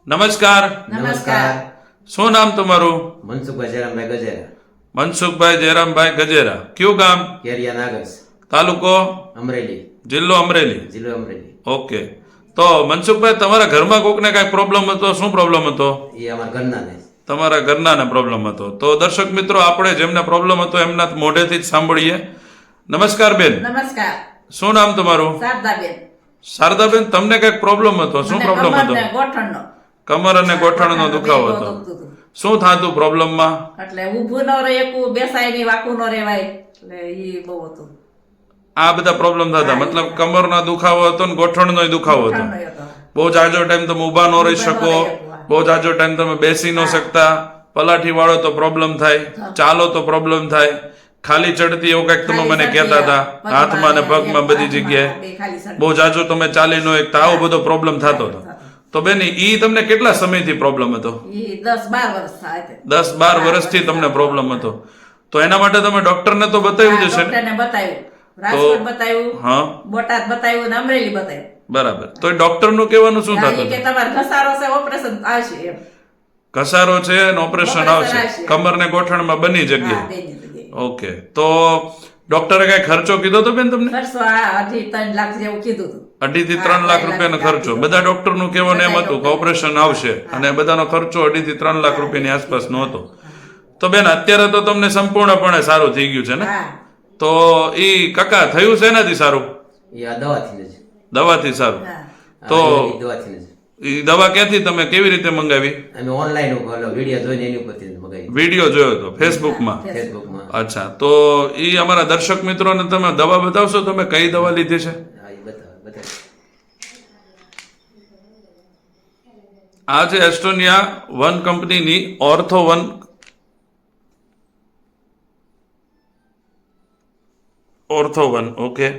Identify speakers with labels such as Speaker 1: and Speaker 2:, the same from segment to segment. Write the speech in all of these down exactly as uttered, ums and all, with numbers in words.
Speaker 1: નમસ્કાર.
Speaker 2: નમસ્કાર.
Speaker 1: શું નામ તમારું?
Speaker 2: મનસુખભાઈ જયરામભાઈ ગજેરા,
Speaker 1: મનસુખભાઈ જયરામભાઈ ગજેરા. કયું ગામ?
Speaker 2: કેરિયા નાગસ,
Speaker 1: તાલુકો?
Speaker 2: અમરેલી,
Speaker 1: જિલ્લો અમરેલી.
Speaker 2: જિલ્લો અમરેલી.
Speaker 1: ઓકે. તો મનસુખભાઈ, તમારા ઘરમાં કોકને કાંઈ પ્રોબ્લેમ હતો? શું પ્રોબ્લેમ હતો?
Speaker 2: એ અમારા ઘરના ને
Speaker 1: તમારા ઘરનાને પ્રોબ્લેમ હતો. તો દર્શક મિત્રો, આપણે જેમને પ્રોબ્લેમ હતો એમના મોઢેથી જ સાંભળીએ. નમસ્કાર બેન.
Speaker 3: નમસ્કાર.
Speaker 1: શું નામ તમારું?
Speaker 3: શારદાબેન.
Speaker 1: શારદાબેન, તમને કઈક પ્રોબ્લેમ હતો? શું
Speaker 3: મને
Speaker 1: પ્રોબ્લેમ હતો?
Speaker 3: કમરને ગોઠણનો
Speaker 1: કમર અને ગોઠણનો દુખાવો હતો.
Speaker 3: દુખતું હતું.
Speaker 1: શું થાતું પ્રોબ્લેમમાં?
Speaker 3: એટલે ઊભું ન રહે, એકું બેસાય નહીં, વાકું ન રહેવાય, એટલે ઈ બહુ હતું.
Speaker 1: આ બધા પ્રોબ્લેમ થતા, મતલબ કમરનો દુખાવો હતો ને ગોઠણનો દુખાવો હતો.
Speaker 3: ગોઠણનો હતો.
Speaker 1: બહુ જાજો ટાઈમ તમે ઊભા ન રહી શકો, બહુ જાજો ટાઈમ તમે બેસી ન શકતા, પલાઠી વાળો તો પ્રોબ્લેમ થાય, ચાલો તો પ્રોબ્લેમ થાય, ખાલી ચડતી એવું કઈક તમે મને કહેતા હતા, હાથમાં ને પગમાં બધી જગ્યાએ
Speaker 3: બે ખાલી સડ-
Speaker 1: બહુ જાજો તમે ચાલી ન એકતા, આવો બધો પ્રોબ્લેમ થતો હતો. તો બેન, ઈ તમને કેટલા સમયથી પ્રોબ્લેમ હતો?
Speaker 3: ઈ દસ બાર વર્ષ થાય છે.
Speaker 1: દસ બાર વર્ષથી તમને પ્રોબ્લેમ હતો. તો એના માટે તમે ડોક્ટરને તો બતાવ્યું જ હશે ને?
Speaker 3: ડોક્ટરને બતાવ્યું, રાજકોટ બતાવ્યું,
Speaker 1: હા,
Speaker 3: બોટાદ બતાવ્યું ને અમરેલી બતાવ્યું.
Speaker 1: બરાબર. તો ડોક્ટર નું કહેવાનું શું
Speaker 3: હા,
Speaker 1: થતું
Speaker 3: ઈ કે
Speaker 1: હતું?
Speaker 3: તમારે ઘસારો છે, ઓપરેશન આવશે એમ.
Speaker 1: ઘસારો છે અને ઓપરેશન
Speaker 3: ઓપરેશન
Speaker 1: આવશે,
Speaker 3: આવશે.
Speaker 1: કમર ને ગોઠણમાં બની
Speaker 3: હા,
Speaker 1: જગ્યાએ.
Speaker 3: બેની જગ્યાએ.
Speaker 1: ઓકે. તો ડોક્ટરે કઈ ખર્ચો કીધો તો બેન તમને?
Speaker 3: ખર્ચો આ અઢી ત્રણ લાખ જેવું કીધું હતું.
Speaker 1: અઢી થી
Speaker 3: હા,
Speaker 1: ત્રણ લાખ
Speaker 3: ત્રણ
Speaker 1: રૂપિયાનો
Speaker 3: લાખ
Speaker 1: ખર્ચો.
Speaker 3: કીધો.
Speaker 1: બધા ડોક્ટર નું કહેવાનું એમ
Speaker 3: બધા
Speaker 1: હતું કે
Speaker 3: ડોક્ટર.
Speaker 1: ઓપરેશન આવશે, અને બધાનો ખર્ચો અઢી થી ત્રણ લાખ રૂપિયાની આસપાસનો હતો. તો બેન, અત્યારે તો તમને સંપૂર્ણપણે સારું થઈ ગયું છે ને?
Speaker 3: હા.
Speaker 1: તો ઈ કાકા થયું છે એનાથી સારું?
Speaker 2: એ આ દવાથી જ
Speaker 1: દવાથી સારું.
Speaker 3: હા.
Speaker 1: તો
Speaker 2: હા, એ દવાથી જ
Speaker 1: ઈ દવા ક્યાંથી તમે કેવી રીતે મંગાવી?
Speaker 2: અમે ઓનલાઈન વિડીયો જોઈને એની ઉપરથી જ મગાવી,
Speaker 1: વિડીયો જોયો હતો ફેસબુકમાં?
Speaker 2: ફેસબુકમાં.
Speaker 1: અચ્છા. તો ઈ અમારા દર્શક મિત્રોને તમે દવા બતાવશો, તમે કઈ દવા લીધી છે?
Speaker 2: હા, એ બતાવે બતાવે
Speaker 1: આ છે એસ્ટોનિયા વન કંપનીની ortho one ortho one. Okay.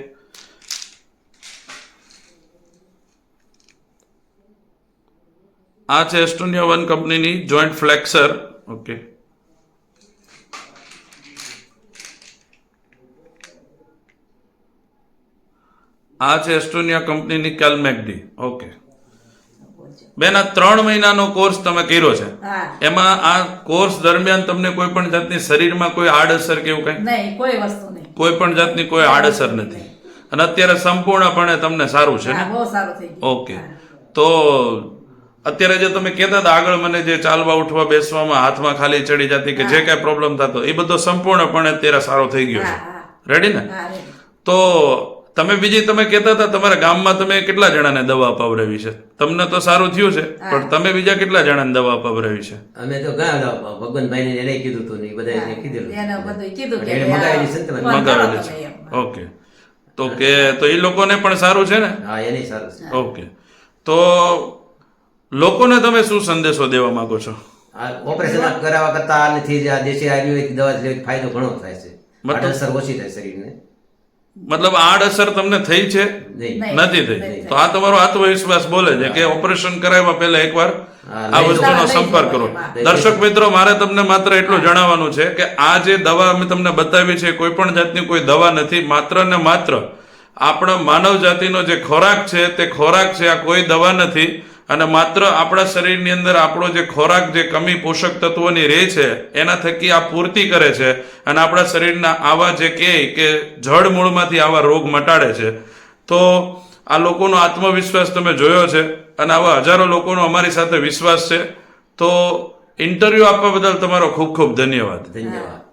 Speaker 1: આ છે એસ્ટોનિયા વન કંપનીની જોઈન્ટ ફ્લેક્સર. ઓકે. આ છે એસ્ટોનિયા કંપનીની કેલ્મેકડી. ઓકે. બેન, આ ત્રણ મહિનાનો કોર્સ તમે કર્યો છે,
Speaker 3: હા.
Speaker 1: એમાં આ કોર્સ દરમિયાન તમને કોઈ પણ જાતની શરીરમાં કોઈ આડઅસર કે એવું કઈ?
Speaker 3: નહીં, કોઈ વસ્તુ નહીં.
Speaker 1: કોઈ પણ જાતની કોઈ આડઅસર નથી, અને અત્યારે સંપૂર્ણપણે તમને સારું છે ને?
Speaker 3: હા, બહુ સારું થઈ ગયું.
Speaker 1: ઓકે. તો અત્યારે જે તમે કહેતા હતા આગળ, મને જે ચાલવા ઉઠવા બેસવામાં હાથમાં ખાલી ચડી જતી કે જે કઈ પ્રોબ્લેમ થતો, એ બધો સંપૂર્ણપણે અત્યારે સારો થઈ ગયો
Speaker 3: હા,
Speaker 1: છે.
Speaker 3: હા.
Speaker 1: રેડી ને?
Speaker 3: હા, ready.
Speaker 1: તો તમે બીજી તમે કહેતા હતા તમારા ગામમાં તમે કેટલા જણાને દવા અપાવડાવી છે? તમને તો સારું થયું છે, પણ તમે બીજા કેટલા જણાને દવા અપાવડાવી છે?
Speaker 2: અમે તો ઘણા ભગવાનભાઈ ને એને કીધું હતું ને એ બધા કીધેલું.
Speaker 3: એને બધું કીધું કે
Speaker 2: એને મગાવેલી છે ને તમે?
Speaker 3: ફોન કરો
Speaker 1: મંગાવેલી
Speaker 3: તમે
Speaker 1: છે.
Speaker 3: એમ.
Speaker 1: ઓકે. તો કે તો એ લોકોને પણ સારું છે ને?
Speaker 2: હા, એની સારું છે.
Speaker 1: ઓકે. તો લોકોને તમે શું સંદેશો દેવા માંગો છો?
Speaker 2: આ ઓપરેશન કરાવવા કરતા આનાથી જ આ દેશી આયુર્વેદિક દવા લેવાથી ફાયદો ઘણો થાય છે.
Speaker 1: મતલબ?
Speaker 2: આડઅસર ઓછી થાય શરીરને.
Speaker 1: મતલબ આડઅસર તમને થઈ છે?
Speaker 2: નહીં.
Speaker 3: નહીં.
Speaker 1: નથી થઈ.
Speaker 3: નહીં.
Speaker 1: તો આ તમારો આત્મવિશ્વાસ બોલે છે કે ઓપરેશન કરાવ્યા પહેલા એકવાર
Speaker 2: હા,
Speaker 1: આ
Speaker 2: લઈ
Speaker 1: વસ્તુનો
Speaker 3: જાઓ.
Speaker 1: સંપર્ક કરો.
Speaker 3: લઈ
Speaker 1: દર્શક મિત્રો, મારે તમને માત્ર એટલું જણાવવાનું છે કે આ જે દવા અમે તમને બતાવી છે, કોઈ પણ જાતની કોઈ દવા નથી, માત્ર ને માત્ર આપણા માનવ જાતિનો જે ખોરાક છે તે ખોરાક છે, આ કોઈ દવા નથી. અને માત્ર આપણા શરીરની અંદર આપણો જે ખોરાક, જે કમી પોષક તત્વોની રહે છે, એના થકી આ પૂર્તિ કરે છે, અને આપણા શરીરના આવા જે કહે કે જડ મૂળમાંથી આવા રોગ મટાડે છે. તો આ લોકોનો આત્મવિશ્વાસ તમે જોયો છે, અને આવા હજારો લોકોનો અમારી સાથે વિશ્વાસ છે. તો ઇન્ટરવ્યુ આપવા બદલ તમારો ખૂબ ખૂબ ધન્યવાદ.
Speaker 2: ધન્યવાદ.